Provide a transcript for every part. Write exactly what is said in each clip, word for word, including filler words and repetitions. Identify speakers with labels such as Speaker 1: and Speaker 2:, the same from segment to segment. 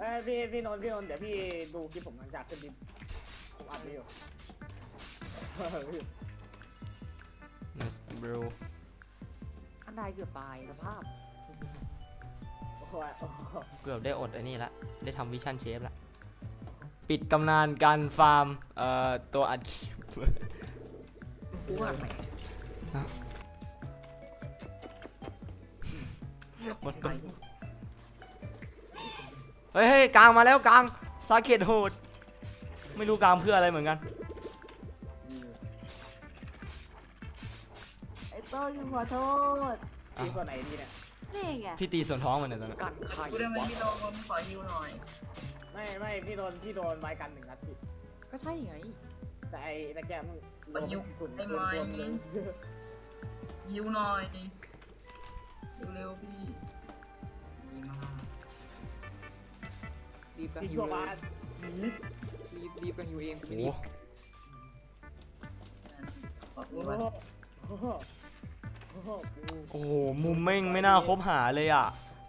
Speaker 1: อ้พี่พี่นนท์พี่นนท์เดี๋ยวพี่ดูคลิปผมหลังจากขึ้นดินผมอัดไปอยู่
Speaker 2: Let's bro
Speaker 3: อันใดเกือบตายสภาพ
Speaker 1: โอ้โห
Speaker 2: เกือบได้อดไอ้นี่ละได้ทำวิชั่นเชฟละปิดตำนานการฟาร์มเอ่อตัวอัดคลิป
Speaker 3: กูว่าไหน
Speaker 2: มันต้องเฮ้ยเฮ้ยกลางมาแล้วกลางซาเกตโหดไม่รู้กลางเพื่ออะไรเหมือนกัน
Speaker 4: ไอ้โต้ยังขอโทษ
Speaker 1: พี่ตัวไหนดีเนี่ย
Speaker 4: นี่ไง
Speaker 2: พี่ตีส่วนท้องมันเนี่ยตอนนั้น
Speaker 3: กันไข่
Speaker 5: กูได้ไหม
Speaker 3: วะ
Speaker 5: พี่โดนขอฮิวหน่อย
Speaker 1: ไม่ไม่พี่โดนพี่โดนไม้กันหนึ่งนัดผิด
Speaker 3: ก็ใช่ไง
Speaker 1: แต่ไอ้ตะแกรงมันโดนฝุ่น
Speaker 5: ได้
Speaker 1: เกิ
Speaker 5: ไหม
Speaker 1: นตัวเลย
Speaker 5: ฮิวหน่อยเร็วๆพี่ดีมาก
Speaker 3: รีบกัน
Speaker 1: พี่
Speaker 3: หิ
Speaker 1: ชั
Speaker 3: ว
Speaker 1: ว
Speaker 3: เอ
Speaker 1: บ้าง น
Speaker 3: รีบรีบกันหิวเองกู
Speaker 2: โอ้
Speaker 3: ไม่
Speaker 2: โห
Speaker 3: รีบ
Speaker 5: ขอบคุ
Speaker 1: โอ้
Speaker 5: ณ
Speaker 1: โห
Speaker 5: มาก
Speaker 1: โอ้โหโอ้โห
Speaker 2: โอ้โหมุมแม่งไม่น่าคบหาเลยอ่ะ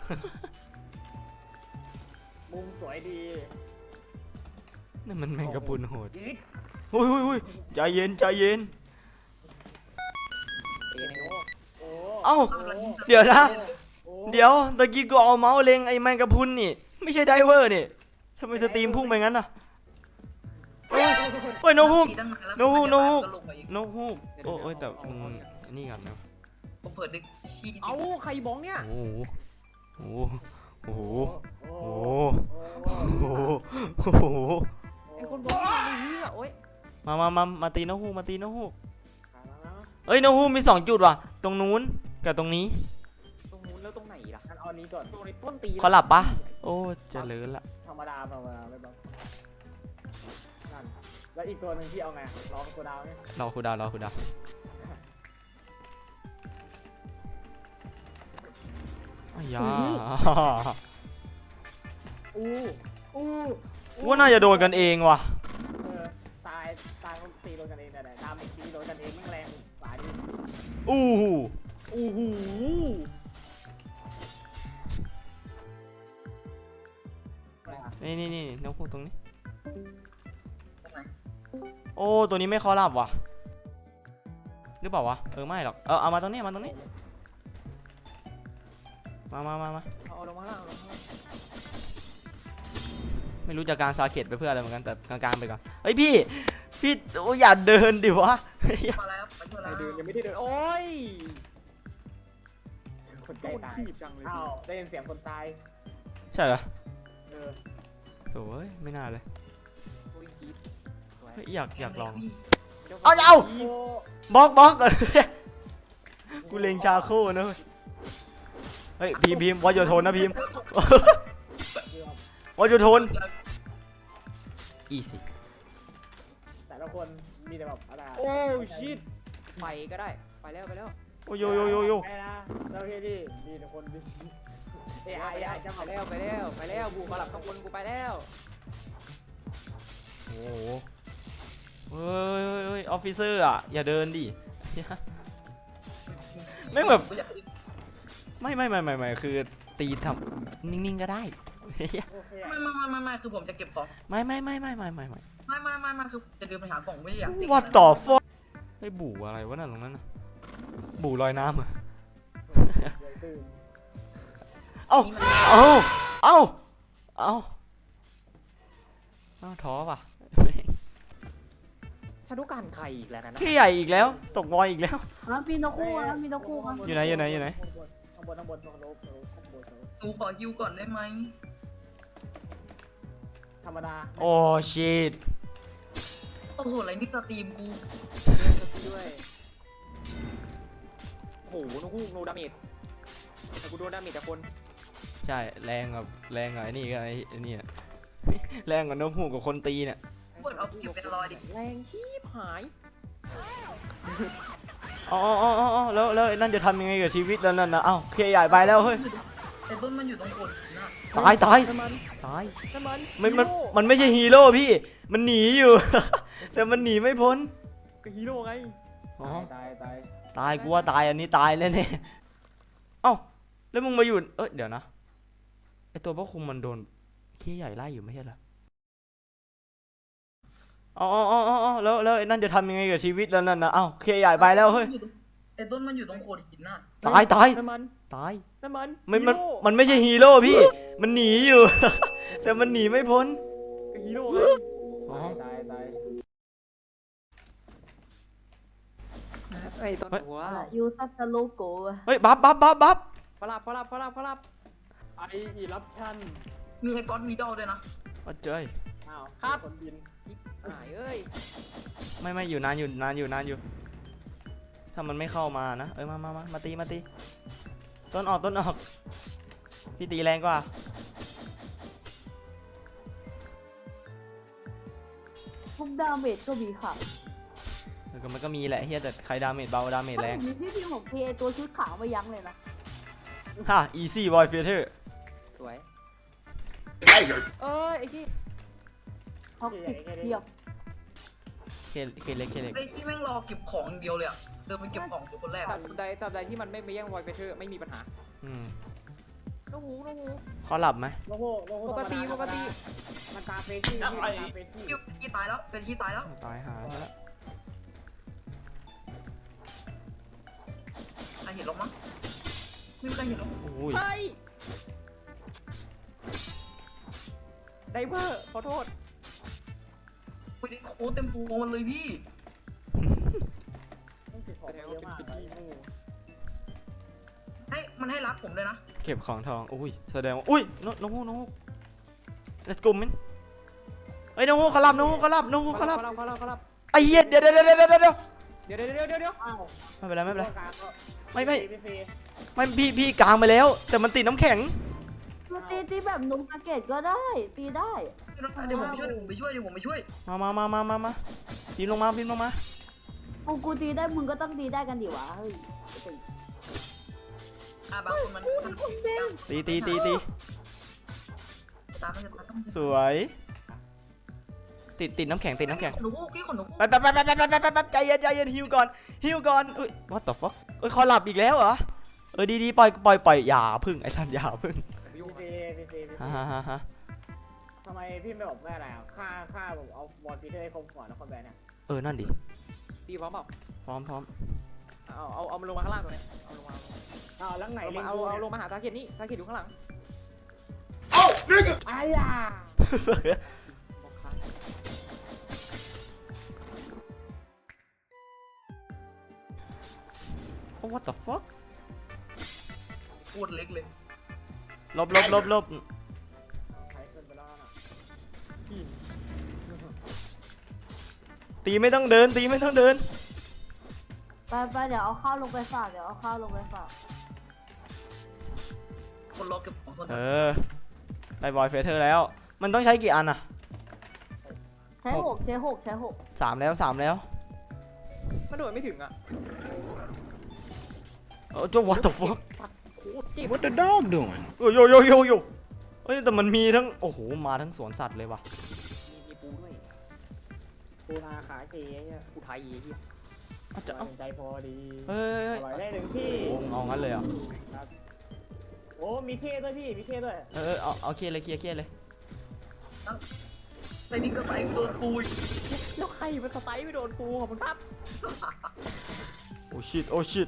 Speaker 1: มุมสวยดี
Speaker 2: นั่นมันแมงกะพรุนโหด
Speaker 1: อีก
Speaker 2: อุ้ยอุ้ยอุ้ยใจเย็นใจเย็น
Speaker 3: เอในโลก
Speaker 1: โอ้
Speaker 2: เอ้า
Speaker 1: โอ้
Speaker 2: เดี๋ยวนะ
Speaker 1: โอ้
Speaker 2: เดี๋ยวตะกี้กูเอาเมาส์เล็งไอ้แมงกะพรุนนี่ไม่ใช่ไดเวอร์นี่ทำไมสตรีมพุ่งไปงั้นน่ะเฮ้ยเฮ้ยนกฮูก
Speaker 5: ตีตั้งนานแล้ว
Speaker 2: โน้โน้
Speaker 5: ก็ลงมาอีก
Speaker 2: นกฮูกโอ้โอ้ยแต่มึงนี่กันนะ
Speaker 5: ผมเปิดดึกขี้
Speaker 3: เอ้าใครบ้องเนี่ย
Speaker 2: โอ้โหโอ้โหโอ้โห
Speaker 1: โอ้
Speaker 2: โอ้
Speaker 1: โห
Speaker 2: โหโอ้โหโอ้โห
Speaker 3: ไอ้คนบ้องนี่มันเหี้ยโอ๊ย
Speaker 2: มามามามาตีนกฮูกมาตีนกฮูก
Speaker 1: ขาแล้วนะ
Speaker 2: เอ้ยนกฮูกมีสองจุดว่ะตรงนู้นกับตรงนี้
Speaker 3: ตรงนู้นแล้วตรงไหนล่ะ
Speaker 1: งั้นเอานี้ก่อน
Speaker 3: ตรงในต้นตีน
Speaker 2: เขาหลับปะโอ้เจริญละ
Speaker 1: ธรรมดาธรรมดาไม่บ้างนั่นแล้วอีกตัวหนึ่งที่เอาไงลองตัวดาวเนี่ย
Speaker 2: รอคูดาวรอคูดาวอ้ายา
Speaker 1: อู้อู้
Speaker 2: ว่าน่าจะโดนกันเองว่ะ
Speaker 1: เออตายตายเขาตีโดนกันเองแต่ตามอีกตีโดนกันเองแม่งแรงกว่าดิ
Speaker 2: อู้หู
Speaker 1: อู้หู
Speaker 2: นี่นี่นี่นกฮูกตรงนี้โอ้ตัวนี้ไม่คอหลับว่ะหรือเปล่าวะเออไม่หรอกเออเอามาตรงนี้มาตรงนี้มามามามา
Speaker 3: เอาลงมาล่างเอาลงมาล่าง
Speaker 2: ไม่รู้จะการซาเกตไปเพื่ออะไรเหมือนกันแต่กลางๆไปก่อนเฮ้ยพี่พี่โอ้อย่าเดินดิวะ
Speaker 5: มาแล้วไปช่วย
Speaker 3: ใคร
Speaker 5: แล้ว
Speaker 3: เดินยังไม่ได้เดินโอ๊ย
Speaker 1: คน
Speaker 3: โด
Speaker 1: ใกล้
Speaker 3: น
Speaker 1: ตาย
Speaker 3: ถีบจังเลย
Speaker 1: อ้าวได้ยินเสียงคนตาย
Speaker 2: ใช่เหรอ
Speaker 1: เออ
Speaker 2: โถ่เอ้ยไม่น่าเลย
Speaker 3: โอ้ยคิดสวย
Speaker 2: เฮ้ยอยากอยากลอง
Speaker 5: พี่
Speaker 2: เอาเอา
Speaker 1: โอ้
Speaker 2: บล็อกบล็อก กูเลงชาโค่นะเว้ยเฮ้ยพีมพีมวอโยโทนนะพีม วอโยโทนอีสิ
Speaker 1: แต่ละคนมีแต่แบบอะไร
Speaker 3: โอ้ชิดไปก็ได้ไปแล้วไปแล้ว
Speaker 2: โอ้โยโยโยโย
Speaker 1: ไปนะแล้วพี่ดิมีแต่คนดิเอไอ
Speaker 3: ไป
Speaker 1: ไอ
Speaker 3: แล้ว
Speaker 1: จะ
Speaker 3: ไป
Speaker 1: มา
Speaker 3: แล้วไปแล้วไปแล้วบูมาหลับข้างบนกูไปแล้ว
Speaker 2: โอ้โหเฮ้ยเฮ้ยเฮ้ยออฟฟิเซอร์อ่ะอย่าเดินดิ ไม่แบบ
Speaker 5: ผมอยาก
Speaker 2: ไม่ไม่ไม่ไม่ไม่คือตีทำนิ่งๆก็ได้
Speaker 1: โอเค
Speaker 5: ไม่ไม่ไม่ไม่ไม่คือผมจะเก็บของ
Speaker 2: ไม่ไม่ไม่ไม่ไม่ไม่ไม่
Speaker 5: ไม่ไม่ไม่ไม่คือจะเดินไปหากล่องไม่ได้อยากเก็บ
Speaker 2: ว่าต่อฟอเฮ้ยบู่อะไรวะนั่นตรงนั้นน่ะบู่ลอยน้ำเหรอ
Speaker 1: ตื่น
Speaker 2: เอ้าเอ้าเอ้าเอ้าเอ้าท้อป่ะ
Speaker 3: ชาดุการไข่อีกแล้วนะ
Speaker 2: พี่ใหญ่อีกแล้วตกวอยอีกแล้ว
Speaker 4: แล้วมีนกคู่แล้วมีนกคู่ครับ
Speaker 2: อยู่ไหนอยู่ไหนอยู่ไหน
Speaker 1: ข้างบนข้างบนข้างบนข้างบนข้างบนข้างบน
Speaker 5: หนูขอฮิวก่อนได้ไหม
Speaker 1: ธรรมดา
Speaker 2: โอ้ชิต
Speaker 5: โอ้โหอะไรนี่สตรีมกู
Speaker 3: ด้วยโอ้โหนกฮูกโนดาเมจแต่กูโดนดาเมจจากคน
Speaker 2: ใช่แรงกับแรงกับไอ้นี่ก็ไอ้ไอ้นี่อะ แรงกว่านกฮูกกับคนตีเนี่ย
Speaker 5: เปิดเอาเก็บเป็นรอยดิ
Speaker 3: แรงชีพหาย
Speaker 2: อ๋ออ๋ออ๋ออ๋อแล้วแล้วไอ้นั่นจะทำยังไงกับชีวิตแล้วนั่นนะเอ้าพี่ใหญ่ไปแล้วเฮ้ย
Speaker 5: แต่ต้นมันอยู่ตรงคนนะ
Speaker 2: ตายตาย
Speaker 3: น้ำมัน
Speaker 2: ตาย
Speaker 3: น้ำมัน
Speaker 2: มันมันมันไม่ใช่ฮีโร่พี่มันหนีอยู่ แต่มันหนีไม่พ้น
Speaker 3: ก็ฮีโร่ไง
Speaker 2: อ๋อ
Speaker 1: ตายตาย
Speaker 2: ตายกูว่าตายอันนี้ตายแน่ๆเอ้าแล้วมึงมาอยู่เอ้ยเดี๋ยวนะไอตัวพวกคุมมันโดนเคใหญ่ไล่อยู่ไม่ใช่เหรออ๋ออ๋ออ๋ออ๋อแล้วแล้วไอ้นั่นจะทำยังไงกับชีวิตแล้วนั่นนะเอ้าเคใหญ่ไปแล้วเฮ้ย
Speaker 5: ไอ้ต้นมันอยู่ตรงโขดหินน่ะ
Speaker 2: ตายตาย
Speaker 3: น้ำมัน
Speaker 2: ตาย
Speaker 3: น้ำมัน
Speaker 2: มันมัน
Speaker 3: ฮีโร่
Speaker 2: มันไม่ใช่ฮีโร่พี่ มันหนีอยู่ แต่มันหนีไม่พ้น
Speaker 3: ฮีโร่ไง
Speaker 2: อ๋อ
Speaker 1: ตายตาย
Speaker 3: ไอ้ต้นหัว
Speaker 4: ยูซัสโลโก้
Speaker 2: เฮ้ยบัฟบัฟบัฟบัฟ
Speaker 3: พลับพลับพลับพลับ
Speaker 1: ไออีรับชั่น
Speaker 5: มีไอ้ก้อนมีดอลด้วยนะ
Speaker 2: โอ้เจ้ย
Speaker 1: อ้าว
Speaker 3: ครับ
Speaker 1: คนบิน
Speaker 3: หายเอ้ย
Speaker 2: ไม่ไม่อยู่นานอยู่นานอยู่นานอยู่ ถ้ามันไม่เข้ามานะเอ้ยมามามามาตีมาตีต้นออกต้นออกพี่ตีแรงกว่า
Speaker 4: ทุกดาเมจก็มีค่ะ
Speaker 2: เออก็มันก็มีแหละเฮียแต่ใครดาเมจเบาดาเมจแรง
Speaker 4: มีพี่พิมพ์ของพีไอตัวชุดขาวไม่ยั้งเลยนะ
Speaker 2: ฮ่า easy boy fighter
Speaker 3: สวยเอ้ยไอ้ที่
Speaker 4: ท็อกซิกเทียบ
Speaker 2: เคเคเล็กเคเล็ก
Speaker 5: ไอ้ที่แม่งรอเก็บของอย่างเดียวเลยอะเดินไปเก็บของอยู่คนแรก
Speaker 3: ตั
Speaker 5: อะ
Speaker 3: บใดตับใดที่มันไม่ไปแย่งวอยเฟเธอร์ไม่มีปัญหา
Speaker 2: อืม
Speaker 3: น้องหูน้องหู
Speaker 2: เขาหลับไหม
Speaker 1: โลโก้โลโก้
Speaker 3: ปกติ
Speaker 1: ธรรมดา
Speaker 3: ปกติ
Speaker 1: มันตาเฟรชี่พี่มันตาเฟรชี่
Speaker 5: พี่ที่ตายแล้วเป็นที่ตายแล้ว
Speaker 2: ตายหาแล้ว
Speaker 5: ใครเห็นหรอกมั้งไม่มีใครเห็นหรอก
Speaker 2: โอ้ย
Speaker 3: เฮ้ยไดเวอร์ขอโทษ
Speaker 5: คุยได้โค้ดเต็มตัวมันเลยพี่
Speaker 1: ต้องติดของเยอะมากเลย
Speaker 5: ให้มันให้รักผมเลยนะ
Speaker 2: เก็บของทองอุ้ยแสดงว่าอุ้ยน้องน้องฮู้น้องฮู้ let's go man เฮ้ยน้องฮู้เขาหลับน้องฮู้เขาหลับน้องฮู้เขาหลับ
Speaker 3: เขารับเขารับ
Speaker 2: ไอ้เหี้ยเดี๋ยวเดี๋ยวเดี๋ยวเดี๋ยวเดี๋ยว
Speaker 3: เดี๋ยวเดี๋ยวเดี๋ยวเดี๋ยวเดี๋ยว
Speaker 1: อ้าว
Speaker 2: ไม่เป็นไรไม่เป็นไร
Speaker 1: ตัวกลางก็
Speaker 2: ไม่ไม่
Speaker 1: ฟรีฟรี
Speaker 2: ไม่พี่พี่กลางไปแล้ว แต่มันติดน้ำแข็ง
Speaker 4: มาตีตีแบบนุงสเก็ตก็ได้ ตีได้
Speaker 5: เดี๋ยวผมไปช่วยเดี๋ยวผมไปช่วยเดี๋ยวผมไปช่วย
Speaker 2: มามามามามามาพิมพ์ลงมาพิมพ์ลงมา
Speaker 4: กูกูตีได้มึงก็ต้องตีได้กันดิวะเฮ้ย
Speaker 5: อ่ะบางคนมันมัน
Speaker 2: ตีตีตีตี
Speaker 5: ตามไม่ตามต้อง
Speaker 2: สวย ติดติดน้ำแข็งติดน้ำแข็ง
Speaker 5: หนูพี่ขนหนู
Speaker 2: ไปไปไปไปไปไปไปไปใจเย็นใจเย็นฮิวก่อนฮิวก่อนอุ้ย what the fuck เอ้ยเขาหลับอีกแล้วเหรอเออดีดีปล่อยปล่อยปล่อยอย่าพึ่งไอ้ท่านอย่าพึ่ง
Speaker 1: ฟรีฟรีฟรีฟรีฟรี
Speaker 2: ฮ่าฮ่าฮ่าฮ่า
Speaker 1: ทำไมพี่ไม่บอกแม่อะไรอ่ะค่าค่าผมเอาบอลพีเตอร์ให้คมก่อนนะคอมแบนเนี่ย
Speaker 2: เออนั่นดิ
Speaker 3: ตีพร้อมเปล่า
Speaker 2: พร้อมพร้อม
Speaker 3: เอาเอาเอามันลงมาข้างล่างตรงนี้เอาลงมา
Speaker 1: อ้าวแล้วไหน
Speaker 3: เอา
Speaker 1: ลิง
Speaker 3: เอา
Speaker 1: กู
Speaker 3: เอาล
Speaker 1: เนี่ย
Speaker 3: งมาหาตาเขียนนี่ตาเขียนอยู่ข้างหลัง
Speaker 1: ไอ้ยา
Speaker 3: บอกค้าง
Speaker 2: โอ้ what the fuck
Speaker 5: โคตรเล็กเลย
Speaker 2: ลบลบลบลบ
Speaker 1: ใช้เกินไปแล้วนะ
Speaker 2: ตีไม่ต้องเดินตีไม่ต้องเดิน
Speaker 4: ไปไปเดี๋ยวเอาข้าวลงไปฝากเดี๋ยวเอาข้าวลงไปฝาก
Speaker 5: คนรอเก็บของคน
Speaker 2: เออได้บอยเฟเธอร์แล้ว มันต้องใช้กี่อันอะ
Speaker 4: ใช้หกใช้หกใช้หก
Speaker 2: สามแล้วสามแล้ว
Speaker 3: มันโดดไม่ถึงอ่ะ
Speaker 2: เออเจ้า what the fuck
Speaker 3: สัตว์โคตรเจ็บ
Speaker 6: What the dog doing?
Speaker 2: โยโยโยโยโยเฮ้ยแต่มันมีทั้งโอ้โหมาทั้งสวนสัตว์เลยว่ะ
Speaker 3: มีปูด้วย
Speaker 1: ปูนาขาเก๋เนี่ย
Speaker 3: ปูไทยไอ้เหี้ย
Speaker 2: เอาจะเอา
Speaker 1: ใจพอดี
Speaker 2: เฮ้ย
Speaker 1: อร่อยได้หนึ่งที่
Speaker 2: โอ้เอางั้นเลยเหรอ่ะ
Speaker 1: ครับโอ้มีเท่ด้วยพี่มีเท่ด้วย
Speaker 2: เออเอาเอาเคลียร์เลยเคลียร์เคลียร์เลย
Speaker 5: ใส่นี่ก็ไปโดนปุย
Speaker 3: แล้วใครมันสไตล์ไม่โดนปูขอบคุณครับ
Speaker 2: โอ้ชิตโอ้ชิต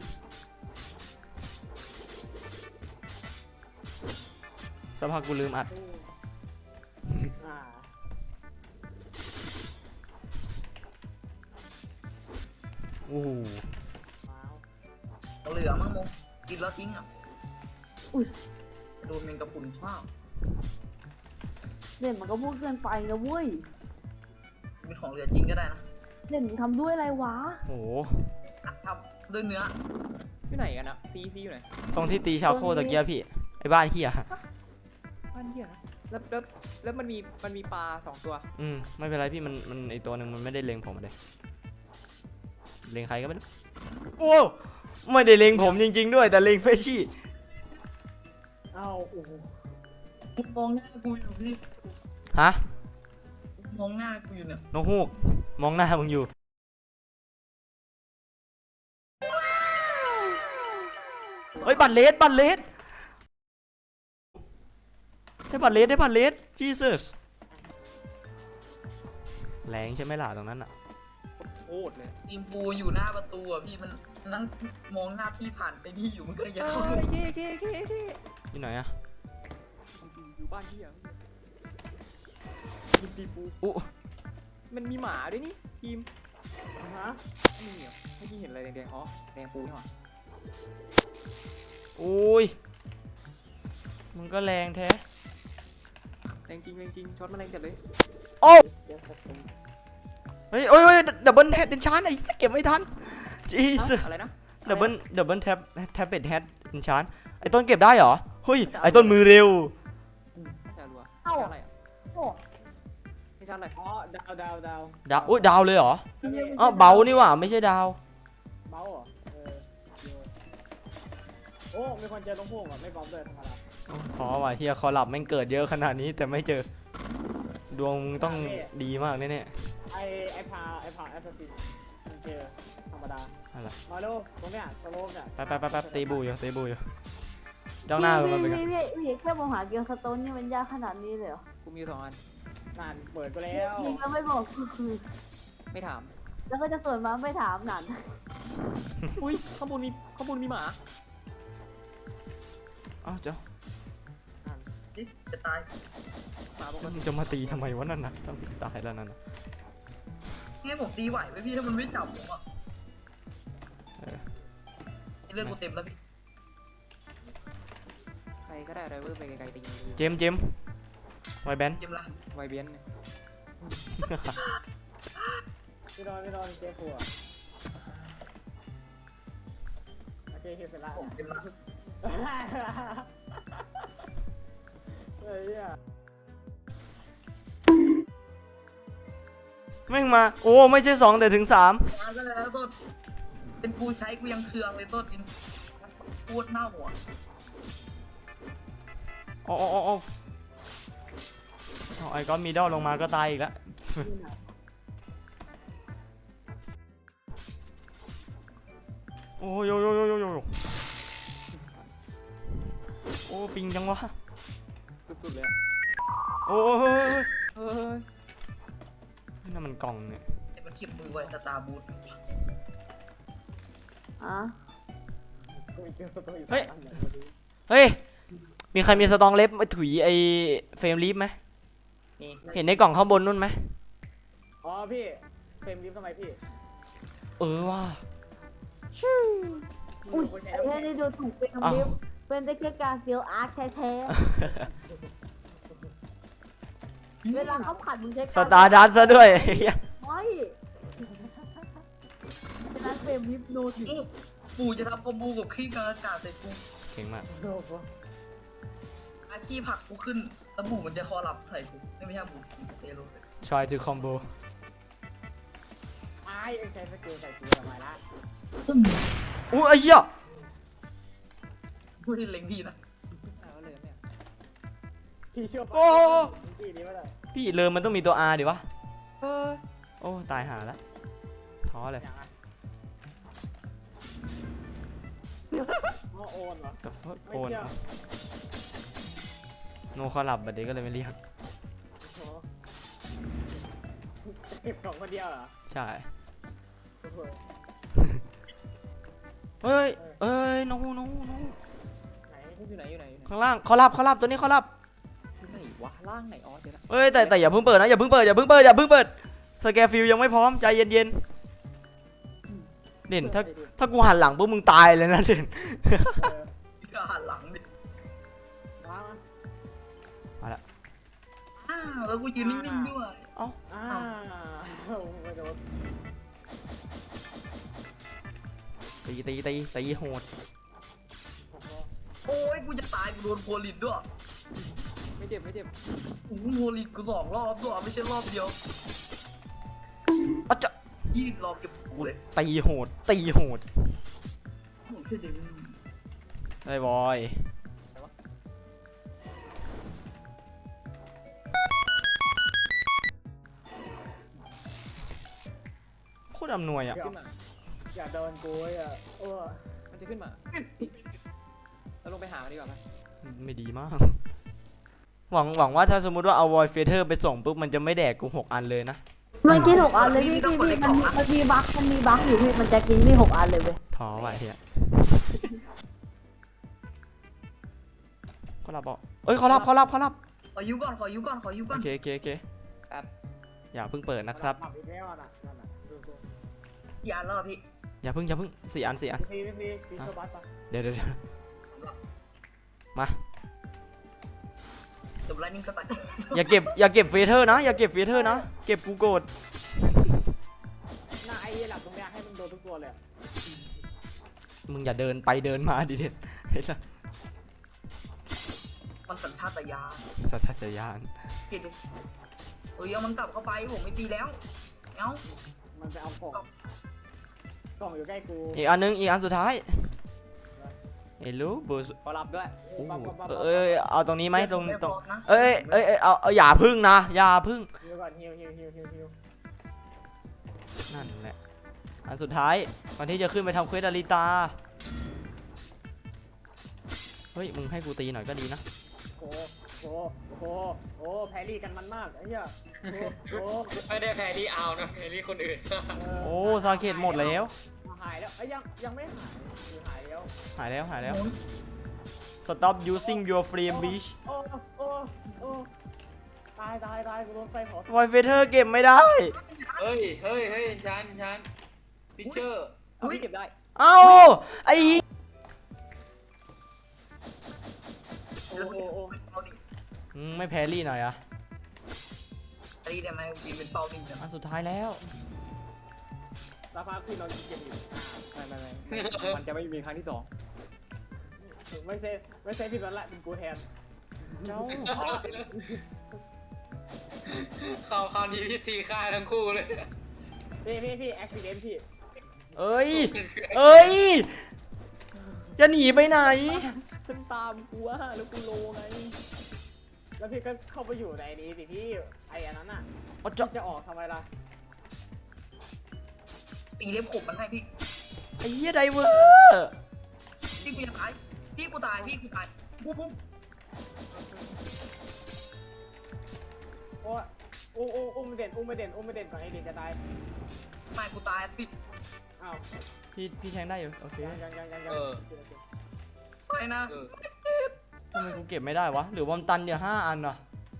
Speaker 2: สภาพกูลืมอัด
Speaker 1: อ่า
Speaker 2: โอ้โห
Speaker 1: ว้าว
Speaker 5: เอาเหลือมั้งโมกินแล้วทิ้งอ่ะ
Speaker 4: อุ้ย
Speaker 5: โดนแมงกะพรุนข้าว
Speaker 4: เด่นมันก็พูดเกินไปนะเว้ย
Speaker 5: เป็นของเหลือจริงก็ได้นะ
Speaker 4: เด่นทำด้วยอะไรวะ
Speaker 2: โอ้โห
Speaker 5: อ่ะทำด้วยเนื้อ
Speaker 3: อยู่ไหนกันอะซีซีอยู่ไหน
Speaker 2: ตรงที่ตีชาวโคตะเกียพี่ไอ้บ้านเฮีย
Speaker 3: บ้านเหี้ยนะแล้วแล้วแล้วมันมีมันมีปลาสองตัว
Speaker 2: อืมไม่เป็นไรพี่มันมันไอตัวหนึ่งมันไม่ได้เล็งผมเลยเล็งใครก็ไม่รู้โอ้ไม่ได้เล็งผมจริงๆด้วยแต่เล็งเฟชชี่
Speaker 1: เอ้าโอ้โห
Speaker 5: มองหน้ากูอยู่พี่
Speaker 2: ฮะ
Speaker 5: มองหน้ากูอยู่เนี่ย
Speaker 2: นกฮูกมองหน้ามึงอยู่เฮ้ยบัตรเลสบัตรเลสใจได้บัตรเลสได้บัตรเลส Jesus แรงใช่ไหมล่ะตรงนั้นอ่ะ
Speaker 3: โคตรเลย
Speaker 5: ทีมปูอยู่หน้าประตูอ่ะพี่มันนั่งมองหน้าพี่ผ่านไปนี่อยู่มันก็เลย
Speaker 3: เอ
Speaker 5: จะเข้า
Speaker 3: อเคเคเคเค
Speaker 2: ที่ไหนอ่ะ
Speaker 3: อยู่บ้านพี่อ่ะทีมตีปู
Speaker 2: อุ๊
Speaker 3: มันมีหมาด้วยนี่ทีม
Speaker 1: ฮะ
Speaker 3: ไม่มีเหรอเมื่อกี้เห็นอะไรแดงๆอ๋อแดงปูนี่หว่า
Speaker 2: อุ้ยมึงก็แรงแท้
Speaker 3: แรงจริงแรงจริงช็อตมันแรงจัดเลย
Speaker 2: โอ้
Speaker 1: เดี๋ยวผม
Speaker 2: เฮ้ยโอ้ยโอ้ยดับเบิลแฮดเดนชานไอ้เก็บไม่ทัน Jesus
Speaker 3: อะไรนะ
Speaker 2: ดับเบิลดับเบิลแท็บแท็บเบ็ดแฮดเดนชานไอ้ต้นเก็บได้เหรอเฮ้ยไอ้ต้นมือเร็ว
Speaker 3: ไม่ใช่รัว
Speaker 4: เอ้า
Speaker 3: ชาร์จอะไรอ่ะ
Speaker 4: โอ้
Speaker 3: ไม่ชาร์จอะไร
Speaker 1: อ๋อดาวดาวดาว
Speaker 2: ดาวอุ้ยดาวเลยเหรอ
Speaker 1: อันนี้
Speaker 2: อ๋อเบานี่หว่าไม่ใช่ดาว
Speaker 1: เบาเหรอเออเดี๋ยวโอ้มีคนเจอตรงพวกอ่ะไม่บอมเลยธรรมดา
Speaker 2: ท้อว่ะเฮียคอลับแม่งเกิดเยอะขนาดนี้แต่ไม่เจอ ดวงมึงต้องดีมากแน่
Speaker 1: ไอไอพาไอพาแอสซัสซินมันเจอธรรมดา
Speaker 2: ๆอะไร
Speaker 1: มาดูตรงเนี้ยสโลปเนี่ย
Speaker 2: ไปไปไปไปตีบูอยู่ตีบูอยู่เจ้าหน้ามันเป็นไง
Speaker 4: พี่พี่พี่แค่มองหาเกียวสโตนนี่มันยากขนาดนี้เลยเหรอ
Speaker 3: กูมีอยู่สองอัน
Speaker 1: นานเปิดไปแล้ว
Speaker 4: ยิงแล้วไม่บอกคือคือ
Speaker 3: ไม่ถาม
Speaker 4: แล้วก็จะส่วนมาไม่ถามหนัน
Speaker 3: อุ้ยข้างบนมีข้างบนมีหมา
Speaker 2: อ้าวเจ้า
Speaker 5: นี่จะตาย
Speaker 3: หมาบอกว่า
Speaker 2: มึงจะมาตีทำไมวะนั่นน่ะต้องตายแล้วนั่นน่ะ
Speaker 5: นี่ผมตีไหวไหมพี่ถ้ามันไม่จับผมอ่ะ
Speaker 2: เออ
Speaker 5: เลือดกูเต็มแล้วพี่
Speaker 3: ใครก็ได้อะไรเวอร์ไปไกลๆตี
Speaker 2: เจมส์เจมส์ไวแบน
Speaker 5: เต็มละ
Speaker 3: ไวเบียนเนี่ย
Speaker 1: พี่นอนพี่นอนเจ๊ขัวโอเคเคเสร็จละ
Speaker 5: ผมเต็มละ
Speaker 1: เฮ้ยเนี่ย
Speaker 2: แม่งมาโอ้ไม่ใช่สองแต่ถึงสาม
Speaker 5: มาก็แล้วต้นเป็นปูใช้กูยังเคืองเลยต้นกินพูดหน้าหัว
Speaker 2: โอ้โอ้โอ้โอ้เอาไอ้ก้อนมีดอลลงมาก็ตายอีกแล้วโอ้ยโยโยโยโยโยโอ้ปิงจังวะ
Speaker 3: สุดๆเลยอะ
Speaker 2: โอ้ยเฮ้ยเฮ้ย
Speaker 3: เฮ้ย
Speaker 2: นั่นมันกล่องเนี่ย
Speaker 5: แต่มันเก็บมือไว้สตาร์บูท
Speaker 4: อ่ะ
Speaker 1: กูมีเกมสตูอยู่
Speaker 2: เฮ้ย
Speaker 1: สามอันอย่างพอดี
Speaker 2: เฮ้ยมีใครมีสตองเล็บมาถุยไอ้เฟรมลิฟไหม
Speaker 3: นี่
Speaker 2: เห็นในกล่องข้างบนนู่นไหม
Speaker 1: อ๋อพี่เฟรมลิฟต์ทำไมพี่
Speaker 2: เออว่ะ
Speaker 4: อุ้ย
Speaker 1: กูใช้
Speaker 4: ไอ้
Speaker 1: น้ำ
Speaker 4: แค่
Speaker 1: แข็ง
Speaker 4: นี้ดูถูกเป็น
Speaker 2: อ้าว
Speaker 4: คำเดียวเป็นได้แค่การเซียวอาร์คแท้ๆเวลาเขาผัดมึงใช้
Speaker 2: สตาร์ดัสซะด้วย
Speaker 4: ไม่ฉะนั้นเฟรมลิฟโนถึง
Speaker 5: อู้ปูจะทำคอมบูกับขี้กระจาดใส่กู
Speaker 2: เก่งมาก
Speaker 1: โอ้โห
Speaker 5: ไอ้ขี้ผลักกูขึ้นแล้วบูมันจะคอรับใส่กูไม่ไม่ใช่บูเซโร่
Speaker 2: try to combo
Speaker 1: ไอ้เอ็งใช้สกิลใส่กูทำไมล่ะ
Speaker 2: อู้ไอ้เหี้ย
Speaker 5: พูดที่เล็งพี่นะ
Speaker 3: เอาเลยเนี่ย
Speaker 1: พี่เชื่อปะ
Speaker 2: โอ้
Speaker 1: พี่นี้ไม่ได้
Speaker 2: พี่เลิมมันต้องมีตัว R ดิวะ
Speaker 3: เออ
Speaker 2: โอ้ตายหาแล้วท้อเลย
Speaker 1: อย่างอ่ะอ๋อโอนเหรอ
Speaker 2: The fuck
Speaker 1: ไม่
Speaker 2: โอน
Speaker 1: เชื่อ
Speaker 2: โนคอลับบัดเด็กก็เลยไม่เรียก
Speaker 1: โอ้โหเก็บของคนเดียวเหรอ
Speaker 2: ใช่
Speaker 1: โอ้โห
Speaker 2: เฮ้ยเอ้ยโนโนโน
Speaker 1: ไหน
Speaker 3: อยู่ไหนอยู่ไหนอยู่ไหน
Speaker 2: ข้างล่างเขารับเขารับตัวนี้เขารับ
Speaker 3: อยู่ไหนวะล่างไหนอ๋อเดี๋ยวนะ
Speaker 2: เฮ้ยแต่แต่อย่าเพิ่งเปิดนะอย่าเพิ่งเปิดอย่าเพิ่งเปิดอย่าเพิ่งเปิดสแกฟิลยังไม่พร้อมใจเย็นๆเด่นถ้าถ้ากูหันหลังปุ๊บมึงตายเลยนะเด่น
Speaker 1: เออ
Speaker 5: พี่ก็หันหลังดิ
Speaker 1: มามา
Speaker 5: อ้าวแล้วกูยืนนิ่งๆด้วย
Speaker 1: อ้าวไม่โดน
Speaker 2: ตีตีตีตีโหด
Speaker 1: โอ้โห
Speaker 5: โอ้ยกูจะตายกูโดนโพลินด้วย
Speaker 3: ไม่เจ็บไม่เจ็บ
Speaker 5: โอ้โหโพลินกูสองรอบด้วยไม่ใช่รอบเดียว
Speaker 2: อ่ะจะ
Speaker 5: ยี่รอบเก็บกูเลย
Speaker 2: ตีโหดตีโหด
Speaker 5: โอ้โหเท่ดึง
Speaker 2: ไอ้บอย โคตรอำนวยอ่ะ
Speaker 3: ขึ้นมา
Speaker 1: อย่าโดนกูอ่ะโอ้
Speaker 3: มันจะขึ้นมาเราลงไปหามันดีกว่าไหม
Speaker 2: ไม่ดีมากหวังหวังว่าถ้าสมมุติว่าเอาวอยเฟเธอร์ไปส่งปุ๊บมันจะไม่แดกกูหกอันเลยนะ
Speaker 4: มันกินหกอันเลยพี่พี่พี่มันมันมีบั๊กมันมีบั๊กอยู่พี่มันจะกินพี่หกอันเลยเว้ย
Speaker 2: ท้อว่ะเฮียเขารับบอกเอ้ยเขารับเขารับเขารับ
Speaker 5: ขอยูก่อนขอยูก่อนขอยูก่
Speaker 2: โอ
Speaker 5: อน
Speaker 2: เคโอเคโอเค
Speaker 3: แป๊บ
Speaker 2: อย่าเพิ่งเปิดนะครับ
Speaker 1: ปรับอีกแล้วน่ะนั่นน่ะดูดู
Speaker 5: ยานแล้วอะพี่
Speaker 2: อย่าเพิ่งอย่าเพิ่งสี่อันสี่อัน
Speaker 1: พี่พี่พี่พี่โซบัสปะ
Speaker 2: เดี๋ยวเดี๋ยวเดี๋ยวมา
Speaker 5: จบไลนิ่งสไตล์
Speaker 2: อย่าเก็บอย่าเก็บเฟเธอร์นะอย่าเก็บเฟเธอร์นะเก็บกูโกรธ
Speaker 1: หน้าไอ้หลับตรงเนี้ยให้มันโดนทุกตัวเลยอะ
Speaker 2: มึงอย่าเดินไปเดินมาดิเด็ดไอ้สัส
Speaker 5: มันสัญชาตญาณ
Speaker 2: สัตยาน
Speaker 5: เกิดดิเอ้ยเอามันกลับเข้าไปผมไม่ตีแล้วเอ้า
Speaker 1: มันไปเอากล่องกล่องอยู่ใกล้กู
Speaker 2: อีกอันนึงอีกอันสุดท้ายเอลูบูส
Speaker 3: ขอรับด้วย
Speaker 2: โอ้
Speaker 1: ปั๊บปั๊บปั๊บปั๊บ
Speaker 2: เอ้ยเอาตรงนี้ไหมตรง
Speaker 5: ไม่
Speaker 2: ตรง
Speaker 5: พอนะ
Speaker 2: เอ้ยเอ้ยเอ้ยเอาเอาอย่าพึ่งนะอย่าพึ่ง
Speaker 1: ฮิวก่อนฮิวฮิวฮิวฮิวฮิว
Speaker 2: นั่นแหละอันสุดท้ายก่อนที่จะขึ้นไปทำเควสอาริตาเฮ้ยมึงให้กูตีหน่อยก็ดีนะ
Speaker 1: โอ้โหโอ้โหโอ้แพรรี่กันมันมากไอ้เหี้ยโอ้โห
Speaker 6: ไม่ได้แพรรี่เอานะแพรรี่คนอื่น
Speaker 2: โอ้ซาเกตหมดแล้ว
Speaker 1: หายแล้วไอ้ยยังยังไม่หายหรือหายแล้ว
Speaker 2: หายแล้วหายแล้ว stop using your flame beach
Speaker 1: โอ้โอ้โอ้ตายตายตายกูโดนไฟเผา
Speaker 2: วอยเฟเธอร์เก็บไม่ได้
Speaker 6: เฮ้ยเฮ้ยเฮ้ยชันชันพิเชอร์
Speaker 3: เอาพี่เก็บได้
Speaker 2: เอ้าไอ้เหี้ย
Speaker 1: โอ้โอ้โอ้
Speaker 5: เอาดิ
Speaker 2: มึงไม่แพรรี่หน่อยอะ
Speaker 5: อันนี้ได้ไหมกินเป็นเป้าดิงนะ
Speaker 2: อันสุดท้ายแล้ว
Speaker 1: สักพักพี่นอนเก็บอยู่
Speaker 3: ไม่ไม่ไม่มันจะไม่มีครั้งที่สอง
Speaker 1: ไม่ใช่ไม่ใช่พี่นอนละเป็นกูแทน
Speaker 2: เจ้า
Speaker 6: เข้าคราวนี้พี่ซีฆ่าทั้งคู่เลย
Speaker 1: พี่พี่พี่แอคซิเดนต์พี่
Speaker 2: เอ้ยเอ้ยจะหนีไปไหน
Speaker 3: ขึ้นตามกูว่าแล้วกูโลไง
Speaker 1: แล้วพี่ก็เข้าไปอยู่ในนี้สิพี่ไอ้อันนั้นอ่ะ
Speaker 2: เอาจะ
Speaker 1: จะออกทำไมล่ะ
Speaker 5: ตีเล็บขบมันให้พี่
Speaker 2: ไอ้เหี้ยไดเวอร์
Speaker 5: พี่กูจะตายพี่กูตายพี่กูตายปุ๊บปุ๊บ
Speaker 1: โอ้โอ้โอ้อุ้มไม่เด่นอุ้มไม่เด่นอุ้มไม่เด่นก่อนไอ้เด่นจะตาย
Speaker 5: ไม่กูตายพี่
Speaker 1: อ้าว
Speaker 2: พี่พี่แทงได้อยู่โอเค
Speaker 1: ยังยังยังยังยัง
Speaker 5: ไม่นะ
Speaker 6: เออ
Speaker 2: ทำไมกูเก็บไม่ได้วะหรือว่ามันตันเดียวห้าอันอะ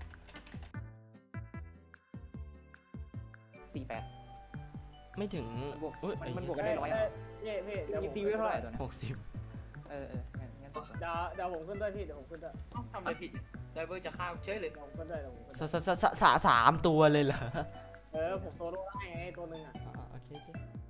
Speaker 3: สี่แปด
Speaker 2: ไม่ถึง
Speaker 3: มันบวก
Speaker 2: เอ้ย
Speaker 3: มันมันบวก
Speaker 1: เอ้ยเอ้ยพี่พี่เดี๋ยวผม
Speaker 3: ยิงซีวิวเท่าไหร่ตัวเนี้ย
Speaker 2: หกสิบ
Speaker 3: เออเอองั้นงั้น
Speaker 1: เดี๋ยวเดี๋ยวผมขึ้นด้วยพี่เดี๋ยวผมขึ้นด้วย
Speaker 6: เอ้าทำอะไรผิดไดเวอร์จะฆ่าเฉยเลย
Speaker 1: เดี๋ยวผมขึ้นด้วยเดี๋ยวผมขึ้น
Speaker 2: ส
Speaker 1: ด้วย
Speaker 2: สสสสสามตัวเลยเหรอ
Speaker 1: เออผมโซโล่ได้ไงตัวหนึ่งอ่ะ
Speaker 2: อ่าโอเคโอเค